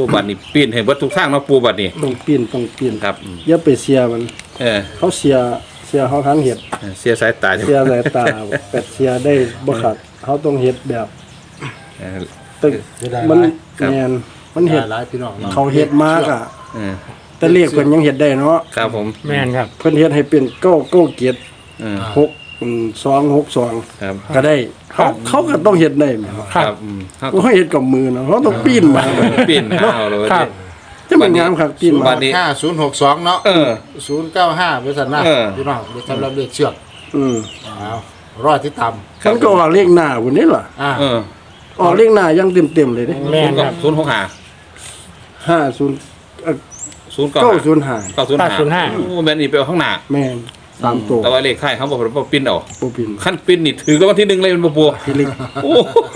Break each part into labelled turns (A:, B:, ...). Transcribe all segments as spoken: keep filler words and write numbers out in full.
A: บัดนี้ปีนให้เบิดทุกทางเนาะปูบัดนี้
B: ต้องปีนต้องปีน
A: ครับ
B: อย่าไปเสียมัน
A: เออ
B: เขาเสียเสียเขาทั้งเฮ็ด
A: เสียสายตา
B: เสียสายตาเป็ดเสียได้บ่ขาดเขาต้องเฮ็ดแบบตึกมันแม่นมันเฮ็ด
C: หลายพี่น้อง
B: เขาเฮ็ดมากอ่ะ
A: เออ
B: แต่เลขเพิ่นยังเฮ็ดได้เนาะ
A: ครับผม
D: แม่นครับ
B: เพิ่นเฮ็ดให้เป็นเก้าเก้าเกียรติ
A: เออ
B: หกสองหกสอง
A: ครับ
B: ก็ได้เขาเขาก็ต้องเฮ็ดได้แม่นบ่
A: ครับอืม
B: เขาเฮ็ดกับมือเนาะเขาต้องปีนมา
A: ปีนหาเอาเลย
B: ครับจะมันงามครับปีนมา
C: ห้าศูนย์หกสองเนาะ
A: เออ
C: ศูนย์เก้าห้าบริษัทนะพี่น้องสำหรับเลขเชือก
B: อืม
C: เอารอดที่ต่ำ
B: มันก็ออกเลขหน้าพุ่นนี่ล่ะ
C: อ่า
A: เออ
B: ออกเลขหน้ายังเต็มๆเลยเด้
D: แม่นครับ
A: ศูนย์หกห้า
B: ห้าศูนย์เอ่อ
A: ศูนย์เก้า
B: เก้าศูนย์ห้า
A: เก้าศูนย์ห้าโอ้แม่นอีไปเอาข้างหน้า
B: แม่นสามตัว
A: แต่ว่าเลขท้ายเขาบอกว่าปิ้นเอา
B: บ่ปิน
A: ขั้นปิ้นนี่ถือรางวัลที่หนึ่งเลยมันบ่ปัว
B: ที่ลิก
A: โอ้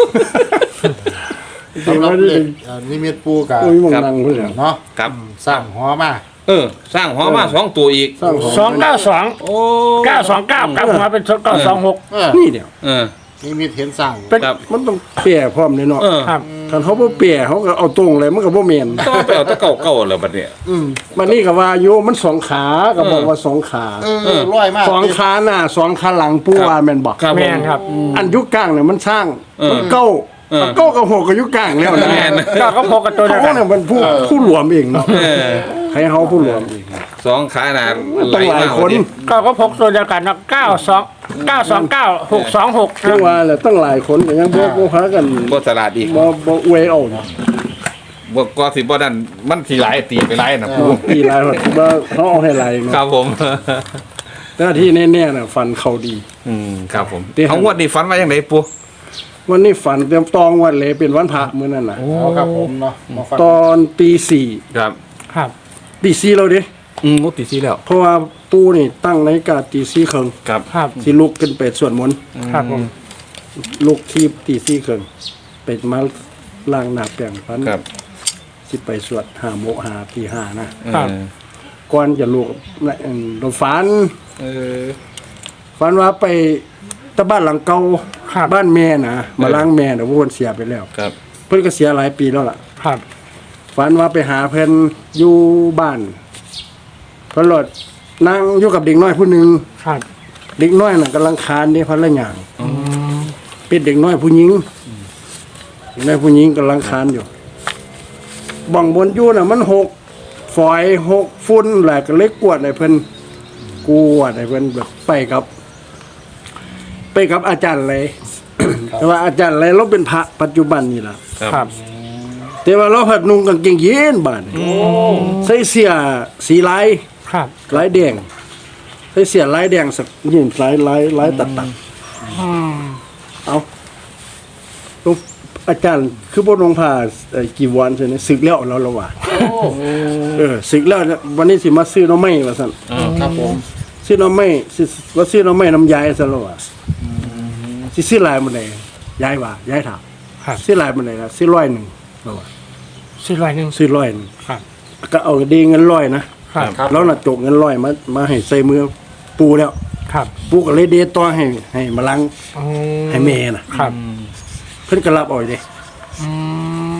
C: สำหรับเลขนิมิตปูกับ
B: โอ้ยมองดังพุ่นแล้ว
C: เนาะ
A: ครับ
C: สร้างหอมา
A: เออสร้างหอมาสองตัวอีก
B: สร้างหอ
D: สองเก้าสอง
A: โอ้
D: เก้าสองเก้ากลับมาเป็นเก้าสองหก
C: เออ
B: นี่เดียว
A: เออ
C: นิมิตเห็นสร้าง
B: เป็นมันต้องแปรพร้อมเลยเนาะ
A: เออ
D: ครับ
B: คันเขาบ่แปรเขาก็เอาตรงเลยมันก็บ่แม่น
A: ต้องไปเอาตะเก่าเก่าแล้วบัดเนี้ย
C: อืม
B: บัดนี้ก็ว่าโยมันสองขาก็บอกว่าสองขา
C: เออร้อยมาก
B: สองขาหน้าสองขาหลังปูว่าแม่นบ่
A: ครับ
D: แม่นครับ
B: อันยุคกลางเนี่ยมันสร้าง
A: เออ
B: มันเก้า
A: เออ
B: มันเก้ากับหกกับยุคกลางแล้วนะ
A: แม่น
D: เก้าก็พกกับตัวเดียว
B: เขา
D: กัน
B: เนี่ยมันผู้ผู้รวมเองเนาะ
A: เออ
B: ให้เขาผู้รวมเอง
A: สองขาหนา
B: ต้องหลายคน
D: เก้าก็พกตัวเดียวกันนะเก้าสองเก้าสองเก้าหกสองหก
B: เรียกว่าแหละตั้งหลายคนก็ยังบ่บ่หากัน
A: บ่ตลาดอีก
B: บ่บ่อวยเอานะ
A: บ่ก็สิบ่ดันมันสิหลายตีไปหลายนะปู
B: ปีหลายคนว่าเขาเอาให้หลาย
A: ค
B: เนาะ
A: รับผม
B: แต่ที่แน่ๆน่ะฟันเขาดี
A: อืมครับผม
B: ที่
A: เอางวดนี้ฝันว่าจังไดปู
B: วันนี้ฝันเตรียมตองวันเลยเป็นวันพระมื้อนั้นน่ะ
C: เอาครับผมเนาะมาฟัง
B: ตอนตีสี่
A: ครับ
D: ครับ
B: ตีสี่แล้วดิ
A: อืมงวดที่สี่แล้ว
B: เพราะว่าปู่นี่ตั้งนาฬิกาตีสี่ครึ่ง
A: ครับ
D: ครับ
B: สิลุกขึ้นไปสวดมนต์
D: ครับผม
B: ลุกที่ตีสี่ครึ่งไปมาล้างหน้าแปรงฟัน
A: ครับ
B: สิไปสวดหาโมหาตีห้านะ
A: ครับ
B: ก่อนจะลุกน่ะเอิ่มเราฝัน
A: เออ
B: ฝันว่าไปตะบ้านหลังเก่า
D: ครับ
B: บ้านแม่นะมาล้างแม่น่ะเพราะเพิ่นเสียไปแล้ว
A: ครับ
B: เพิ่นก็เสียหลายปีแล้วล่ะ
D: ครับ
B: ฝันว่าไปหาเพิ่นอยู่บ้านเพิ่นรถนั่งอยู่กับเด็กน้อยผู้หนึง
D: ครับ
B: เด็กน้อยน่ะกำลังคานนี่พันละอย่างเป็นเด็กน้อยผู้หญิงเด็กน้อยผู้หญิงกำลังคานอยู่บังบนอยู่น่ะมันหกฝอยหกฝุ่นแหละก็เล็กกวดให้เพิ่นกวดให้เพิ่นแบบไปกับ ไปกับอาจารย์เลย แต่ว่าอาจารย์เลยเราเป็นพระปัจจุบันนี่ล่ะ
D: ครับ
B: แต่ว่าเราผัดนุ่งกางเกงยีนส์บาดนี่ใส่เสื้อสีลาย
D: ครับ
B: ลายแดงใส่เสื้อลายแดงสักยีนส์ลายลายลายตัดตัด
D: อืม
B: เอาหลวงอาจารย์คือบ่ลงผ้าเอ่อกี่วันใช่ไหมศึกแล้วเราละว่าเออศึกแล้วเนี่ยวันนี้สิมาซื้อหน้ำไม้ว่าซั่น
C: ครับผม
B: ซื้อหน้ำไม้สิว่าซื้อหน้ำไม้น้ำยายซั่นละว่าสิซื้อลายมันได้ยายว่ายายถาม
D: ครับ
B: ซื้อลายมันได้ล่ะซื้อร้อยหนึงละว่า
D: สี่ร้อยหนึ่ง
B: ซื้อร้อยหนึง
D: ครับ
B: ก็เอาดีเงินร้อยนะครับ แล้วน่ะจกเงินร้อยมามาให้ใส่มือปูแล้ว
D: ครับ
B: ปูก็เลยเดต่อให้ให้มาลัง
D: อืม
B: ให้แม่น่ะ
D: ครับ
B: เพิ่นก็รับเอาอยู่เด้
D: อืม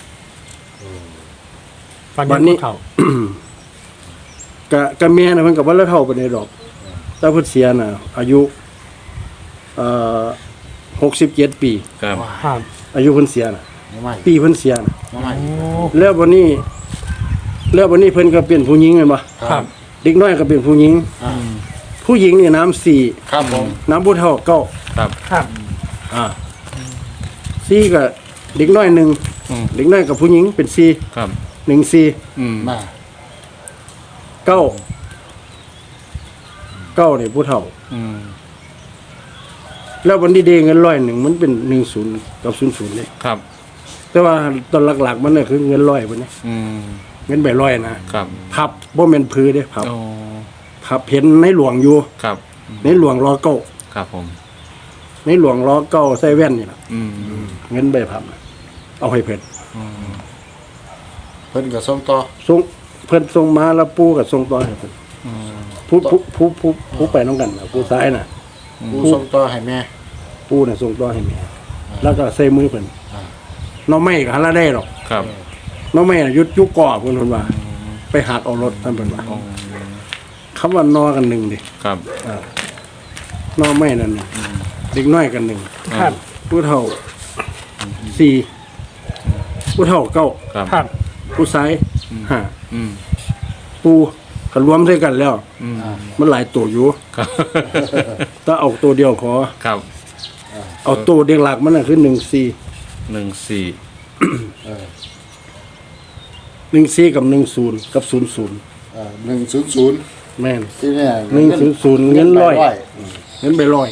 D: วัน
B: วัน
D: นี้
B: นี้
D: เขา
B: กะกะแม่น่ะเพิ่นก็บ่ได้เท่าปานใดดอกแต่เพิ่นเสียน่ะ อายุเอ่อหกสิบเจ็ดปี
A: ครับ
D: ครับ
B: อายุเพิ่นเสียน่ะ
C: มาใหม่
B: ปีเพิ่นเสียน่ะ
C: มาใหม่
D: โอ้
B: แล้ววันนี้ แล้ววันนี้เพิ่นก็เป็นผู้หญิงแม่นบ่
D: ครับ
B: เด็กน้อยก็เป็นผู้หญิง
C: อ่า
B: ผู้หญิงนี่น้ำสี่
C: ครับผม
B: น้ำผู้เฒ่าเก้า
A: ครับ
D: ครับ
B: อ่าสี่ก็เด็กน้อยหนึ่ง
A: อืม
B: เด็กน้อยกับผู้หญิงเป็นสี่
A: ครับ
B: หนึ่งสี่
A: อืม
C: มา
B: เก้าเก้าเนี่ยผู้เฒ่า
A: อืม
B: แล้ววันนี้เดเงินร้อยหนึ่งมันเป็นหนึ่งศูนย์กับศูนย์ศูนย์เลย
A: ครับ
B: แต่ว่าตอนหลักๆมันเนี่ยคือเงินร้อยวันนี้
A: อืม
B: เงินใบร้อยนะครับ พับบ่แม่นพื้นเด้พับ
A: โอ้
B: พับเห็นในหลวงอยู่
A: ครับ
B: ในหลวงรอเก้า
A: ครับผม
B: ในหลวงรอเก้าใส่แว่นนี่ล่ะ
A: อืม
B: เงินใบพับน่ะเอาให้เพิ่น
A: อืม
C: เพิ่นก็ส่งต่อ
B: ส่งเพิ่นส่งมาแล้วปู่ก็ส่งต่อให้เพิ่น
A: อืม
B: ผู้ผู้ผู้ผู้ผู้ไปน้องกันน่ะผู้ซ้ายน่ะ
C: ผู้ส่งต่อให้แม่
B: ปู่น่ะส่งต่อให้แม่แล้วก็ใส่มือเพิ่น
C: อ่า
B: น้องไม่ก็หาละได้หรอก
A: ครับ
B: น้องแม่น่ะยุดยุกก่อเพิ่นเพิ่นว่า ไปหักเอารถนั่นเพิ่นว่าคำว่านอกันหนึ่งดิ
A: ครับ
B: นอแม่นั่นน่ะเด็กน้อยกันหนึ่ง
D: ครับ
B: ผู้เฒ่าสี่ผู้เฒ่าเก้า
A: ครับ
D: ครับ
B: ผู้ชายห้า
A: อืม
B: ปูก็รวมด้วยกันแล้ว
A: อืม
B: มันหลายตัวอยู่
A: ครับ
B: ถ้าเอาตัวเดียวขอ
A: ครับ
B: เอาตัวเด็กหลักมันน่ะคือหนึ่งสี่
A: หนึ่งสี่
B: หนึ่งสี่กับหนึ่งศูนย์กับศูนย์ศูนย์
C: หนึ่งศูนย์ศูนย์
B: แม่น
C: ที่เนี่ย
B: หนึ่งศูนย์ศูนย์เงินร้อย เงินไปร้อย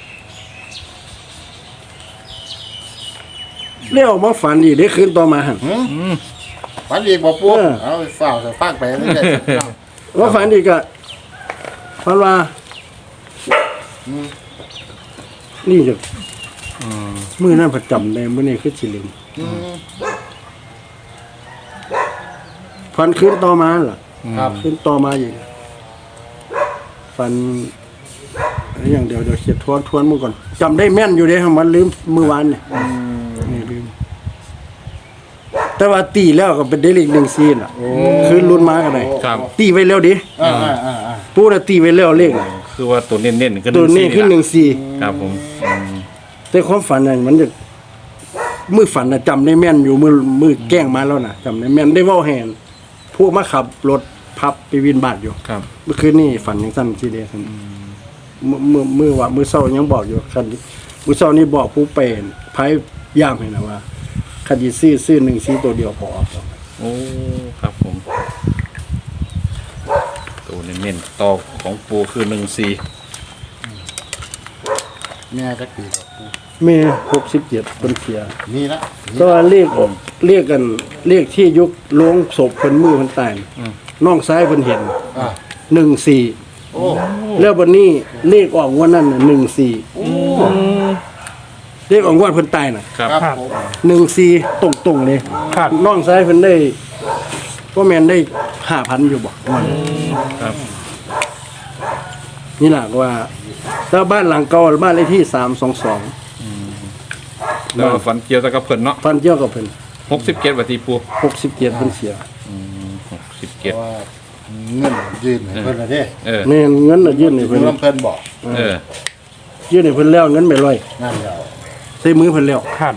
B: เรียกออกมาฝันดีได้คืนต่อมาหัน
C: ฝันอีกบ่ปุ๊บ
B: เออ
C: เอาฝ้าวจะฟากไปเรื่อยๆ
B: ว่าฝันดีก็ฝันว่านี่จะมือนั่นประจำในมือนี้คือสิลืม
C: อืม
B: ฝันคืนต่อมาล่ะ
C: ครับ
B: คืนต่อมาอยู่ฝันอะไรอย่างเดียวเดี๋ยวเขียนทวนทวนมือก่อนจำได้แม่นอยู่เด้มันลืมมือวานเนี่ยนี่ลืมแต่ว่าตีแล้วก็เป็นเดลิกหนึ่งซีนอ่ะคือรุ่นมากันเลย
A: ครับ
B: ตีไว้แล้วดิ
C: อ่าอ่าอ่าอ่า
B: ปูน่ะตีไว้แล้วเลขน่ะ
A: คือว่าตัวเน้นๆคือ
B: ตัวนี้คือหนึ่งซี
A: ครับผมอืม
B: แต่ความฝันน่ะมันจะมือฝันน่ะจำได้แม่นอยู่มือมือแกล้งมาแล้วน่ะจำได้แม่นได้เว้าแหนพวกมาขับรถพับไปวินบาทอยู่
A: ครับ
B: เมื่อคืนนี่ฝันยังสั้นทีเดียวครับมือมือมือว่ามือเศร้ายังบอกอยู่คันมือเศร้านี่บอกผู้เป็นไพ่ย่ามให้นะว่าคดีซื้อซื้อหนึ่งซีตัวเดียวพอ
A: โอ้ครับผมตัวเน้นๆต่อของปูคือหนึ่งสี่
C: แม่จักปีกับปุ๊บ
B: เมหกสิบเจ็ดเป็นเสีย
C: มีละ
B: ก็เรียกเรียกกันเรียกที่ยุคลงศพเพิ่นมือเพิ่นตายน้องซ้ายเพิ่นเห็น
C: อ่า
B: หนึ่งสี่
C: โอ้
B: แล้ววันนี้เลขออกงวันนั้นหนึ่งสี่เลขออกงวันเพิ่นตายน่ะ
A: ครับ
C: ครับผม
B: หนึ่งสี่ตรงตรงๆเลย
D: ครับ
B: น้องซ้ายเพิ่นได้ก็แมนได้ห้าพันอยู่บ่
A: ครับ
B: นี่แหละว่าแล้วบ้านหลังเก่าบ้านเลขที่สามสองสอง
A: แล้วฝันเกี่ยวกับเพิ่นเนาะ
B: ฟันเจ้ากับเพิ่น
A: หกสิบเจ็ดวัตีปู
B: หกสิบเจ็ดเพิ่นเสีย
A: หกสิบเจ็ด
C: ว่าเงินยืนให้เพิ่นละเด้
A: เออ
B: แม่นเงินน่ะยื่นให้
C: เพิ่
B: เพิ่
C: น
B: น
C: เพิ่นบอก
A: เออ
B: ยื่นให้เพิ่นแล้วเงินไปร้อย
C: นั่นแล้ว
B: ใส่มือเพิ่นแล้ว
D: ครับ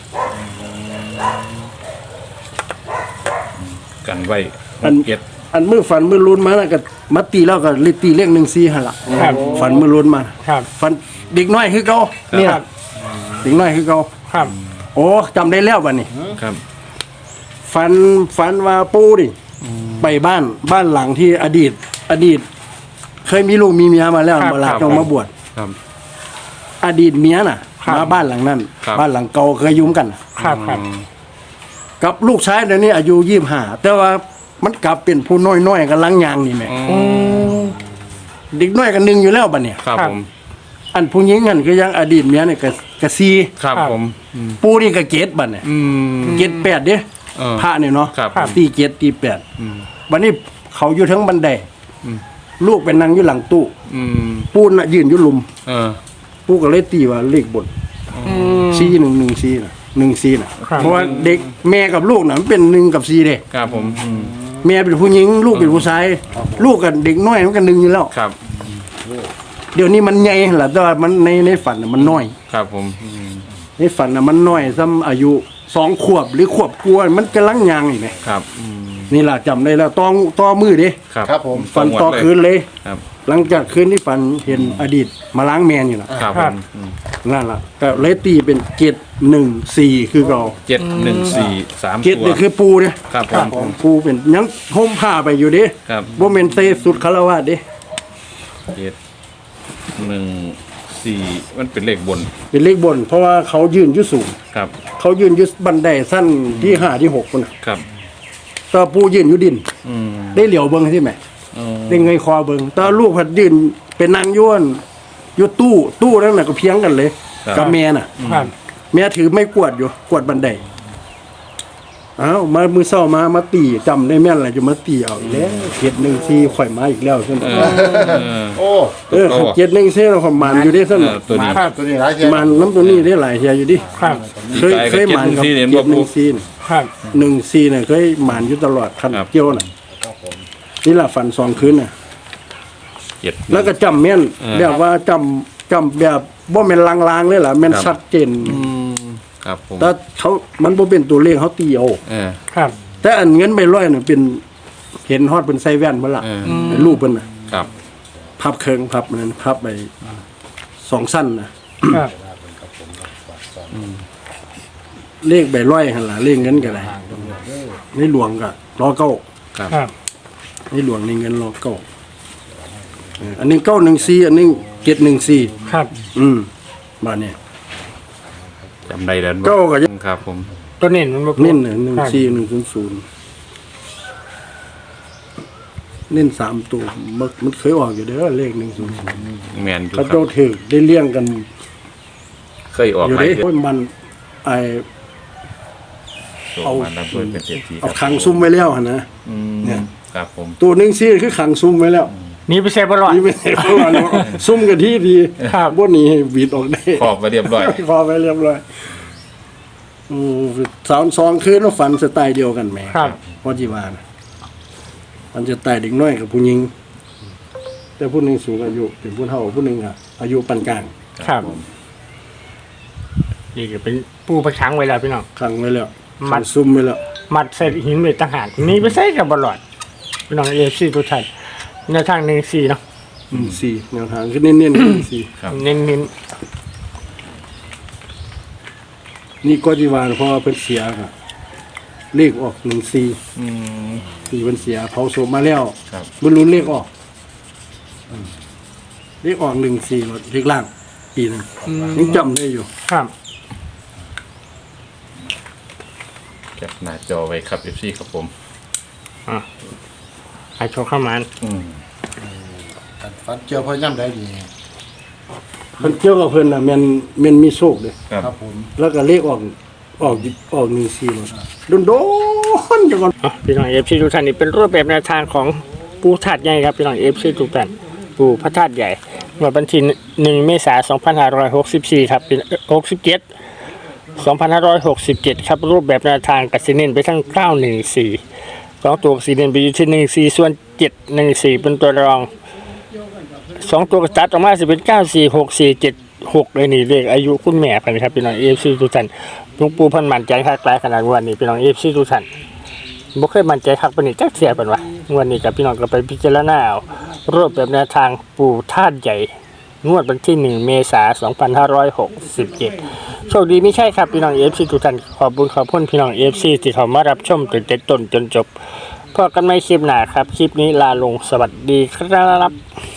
A: กันไว้หกเจ็ด
B: อันมือฝันมือลุ้นมาน่ะก็มาตีแล้วก็เลยตีเลขหนึ่งสี่หั่นล่ะ
D: ครับ
B: ฝันมือลุ้นมา
D: ครับ
B: ฝันเด็กน้อยคือเก่าเนี่ยเด็กน้อยคือเก่า
D: ครับ
B: โอ้จำได้แล้วบัดนี้
A: ครับ
B: ฝันฝันว่าปู่ดิไปบ้านบ้านหลังที่อดีต อดีต เคยมีลูกมีเมียมาแล้ว
D: ครับ
B: มาลา
A: ครับ
B: ต้องมาบวช
A: ครับ
B: อดีตเมียน่ะ
D: ครับ
B: มาบ้านหลังนั้น
A: ครับ
B: บ้านหลังเก่าเคยอยุ่มกัน
D: ครับครับ
B: กับลูกชายเดี๋ยวนี้อายุยี่สิบห้าแต่ว่ามันกลับเป็นผู้น้อยๆกันลังยางนี่แหม่
A: อืม
B: เด็กน้อยกันหนึ่งอยู่แล้วบัดเนี่ย
A: ครับผม
B: อันผู้หญิงนั่นคือยังอดีตเมียเนี่ยก็ก็ซี
A: ครับผม
B: ปูนี่ก็เกตบัดเนี่ย
A: อืม
B: เกตแปดเด้
A: เออ
B: พระเนี่ยเนาะ
A: ครับ
B: ตีเกตตีแปด
A: อืม
B: วันนี้เขาอยู่ทั้งบันได
A: อืม
B: ลูกเป็นนางอยู่หลังตู้
A: อืม
B: ปูน่ะยืนอยู่หลุม
A: เออ
B: ปูก็เลยตีว่าเลขบน
D: อืม
B: ซีหนึ่งหนึ่งซีน่ะหนึ่งซีน่ะ
D: ครับ
B: เพราะว่าเด็กแม่กับลูกน่ะมันเป็นหนึ่งกับซีเด้
A: ครับผมอืม
B: แม่เป็นผู้หญิงลูกเป็นผู้ชายลูกกับเด็กน้อยมันกันหนึ่งอยู่แล้ว
A: ครับ
B: เดี๋ยวนี้มันใหญ่แหละแต่ว่ามันในในฝันน่ะมันน้อย
A: ครับผมอืม
B: ในฝันน่ะมันน้อยซ้ำอายุสองขวบหรือขวบกลัวามันกำลังยางอีกไหม
A: ครับอืม
B: นี่ล่ะจำได้แล้วต่อต่อมือเดิ
A: ครับ
C: ครับผม
B: ฝัน
A: งวด
B: ต่อ
A: เลย
B: คืนเลย
A: ครับ
B: หลังจากคืนที่ฝันเห็นอดีตมาล้างแมนอยู่นะครับ
A: ผมอืม
B: นั่นล่ะก็เลยตีเป็นเกตหนึ่งสี่คือเรา
A: เจ็ดหนึ่งสี่สาม
B: เกต
A: ตัว
B: นี่คือปูเนี่ย
A: ครับผม
B: ปูเป็นยังห่มผ้าไปอยู่เดิ
A: ครับ
B: บ่เมนเซสุดคารวะเดิ
A: เจ็ดหนึ่งสี่มันเป็นเลขบน
B: เป็นเลขบน เพราะว่าเขายืนอยู่สูง
A: ครับ
B: เขายืนอยู่บันไดสั้นที่ห้าที่หกคนน่ะ
A: ครับ
B: แตอปูยืนอยู่ดิน
A: อืม
B: ได้เหลียวเบิ่งใช่ไหม
A: อืม
B: ได้เงยคอเบิ่งแตอลูกพัดยืนเป็นนางย้วนอยู่ตู้ตู้นั่นน่ะก็เพียงกันเลย กับแม่น่ะ
D: ครับ
B: แม่ถือไม่กวาดอยู่กวาดบันไดอ้าวมามือเศร้ามามาตีจำได้แม่นอะไรจะมาตีเอาอีกแล้วเจ็ดหนึ่งสี่ข่อยมาอีกแล้วซั่น
A: เออเออ
C: โอ้
B: เออเจ็ดหนึ่งสี่เราข่อยมันอยู่ดิซั่น
A: เออตัวนี้
C: มาตัวนี้หลายเทีย
B: มันน้ำตัวนี้ได้หลายเทียอยู่ดิ
D: ครับ
B: เคยเคยมันกับ
A: เจ็ดหนึ่งสี่
B: เจ็
A: เนี่ย
B: ดหนึ่งสี่
D: ครับ
B: หนึ่งสี่เนี่ยเคยมันอยู่ตลอดคัน
A: ครับ
B: เกี่ยวน่ะนี่ล่ะฝันสองคืนน่ะ
A: เจ็ด
B: แล้วก็จำแม่น
A: เออ
B: แบบว่าจำจำแบบบ่แม่นลางๆเลยล่ะแม่น
A: ครับ
B: ชัดเจน
A: ครับผม
B: แต่เขามันบ่เป็นตัวเลขเขาตีเอา
A: เออ
D: ครับ
B: แต่อันเงินใบร้อยน่ะเป็นเห็นฮอดเป็นใส่แว่นเพิ่นล่ะ
A: เออ
B: เป็นรูปเพิ่นน่ะ
A: ครับ
B: พับเคิงพับนั้นพับไปสองสั้นนะครับ เลขใบร้อยหั่นล่ะเลขเงินก็ได้ในหลวงก็รอเก้า
A: ครับ
D: ครับ
B: ในหลวงในเงินรอเก้าเอออันนี้เก้าหนึ่งสี่อันนี้เจ็ดหนึ่งสี่
D: ครับ
B: อืมมาเนี่ย
A: จำได้แล้ว
B: เก้าก็ยัง
A: ครับผม
D: ตัวเน้นมันบ่
B: เน้นหนึ่งสี่หนึ่งศูนย์ศูนย์เน้นสามตัวมันมันเคยออกอยู่เด้อเลขหนึ่งศูนย์ศูนย์
A: แมนอยู่
B: เขา
A: ครั
B: เจ้า
A: บ
B: ถือได้เลี้ยงกัน
A: เคยออก
B: อยู่
A: หลาย
B: เด้
A: เดือน
B: โอ้ยมันไอ
A: เอามาดับเบิลเป็นเศรษฐี
B: เอาขังซุ้มไว้แล้วหั่นนะ
A: อืม
B: เนี่ย
A: ครับผม
B: ตัวหนึ่งซี่คือขังซุ้มไว้แล้ว
D: หนีไปเซฟบ่รอด
B: นี่ไม่ใช่เพราะว่าเราซุ้มกันที่ดี
D: ครับ
B: บนนี้ให้บีดออกได้
A: ครอบไว้เรียบร้อย
B: คอไปเรียบร้อยอืมสาวสองคืนแล้วฝันสไตล์เดียวกันแหม
D: ครับ
B: พอจีวานะมันจะตายเด็กน้อยกับผู้หญิง แต่ผู้หนึ่งสูงอายุเป็นผู้เฒ่าผู้หนึ่งอะอายุปานกลาง
D: ครับ นี่ก็เป็นปูประชังไว้แล้วพี่น้อง
B: ขังไว้แล้ว
D: มั
B: ขั
D: ด
B: งซุ่มไว้แล้ว
D: มัดใส่หินไว้ต่างหากหนีไปใส่กับบลอดพี่น้องเอฟซีทุกท่านในทางหนึ่งสี่เนาะ
B: หนึ่งสี่แนวทางคือเน้นๆหนึ่งสี่
A: ครับ
D: เน้นเน้น
B: นี่ก็จีวานเพราะว่าเพิ่นเสียค่ะเลขออกหนึ่งสี่
A: อืม
B: สี่เพิ่นเสียเผาศพมาแล้ว
A: ครับ
B: บรรลุนเลขออกอืมเลขออกหนึ่งสี่เลขล่างปีหนึงยังจำได้อยู่
D: ครับ
A: แคปหน้าจอไว้ครับ เอฟ ซี ครับผม
D: อ่ะให้โชว์เข้ามา
A: อืม
C: ฟันเจียวพอย่ำได้ดี
B: เพิ่นเกี่ยวกับเพิ่นน่ะแม่นแม่นมีโชคเด้
A: ครับ
C: ครับผม
B: แล้วก็เลขออกออกออกหนึ่งสี่เลยโดนโดนๆจังก่อน
D: อ่ะพี่น้องเอฟซีทุกท่านนี่เป็นรูปแบบแนวทางของปูธาตุใหญ่ครับพี่น้องเอฟซีทุกท่านปูพระธาตุใหญ่เมื่อวันที่หนึ่งเมษายนสองพันห้าร้อยหกสิบสี่ครับเป็นหกสิบเจ็ดสองพันห้าร้อยหกสิบเจ็ดครับรูปแบบแนวทางกับซีเน้นไปทั้งเก้าหนึ่งสี่สองตัวซีเน้นไปอยู่ที่หนึ่งสี่ส่วนเจ็ดหนึ่งสี่เป็นตัวรองสองตัวกระตัดออกมาจะเป็นเก้าสี่หกสี่เจ็ดหกเลยนี่เลขอายุคุณแม่ไปนะครับพี่น้องเอฟซีทุกท่านหลวงปู่เพันมั่นใจคักหลายขนาดวันนี้พี่น้องเอฟซีทุกท่านบ่เคยมั่นใจคักปานนี้จักเสียปานวะวันนี้กับพี่น้องก็ไปพิจารณาเอารูปแบบแนวทางปู่ธาตุใหญ่งวดวันที่หนึ่งเมษายนสองพันห้าร้อยหกสิบเจ็ดโชคดีไม่ใช่ครับพี่น้องเอฟซีทุกท่านขอบคุณขอบคุณพี่น้องเอฟซีที่เข้ามารับชมตั้งแต่ต้นจนจบพบกันใหม่คลิปหน้าครับคลิปนี้ลาลงสวัสดีครับ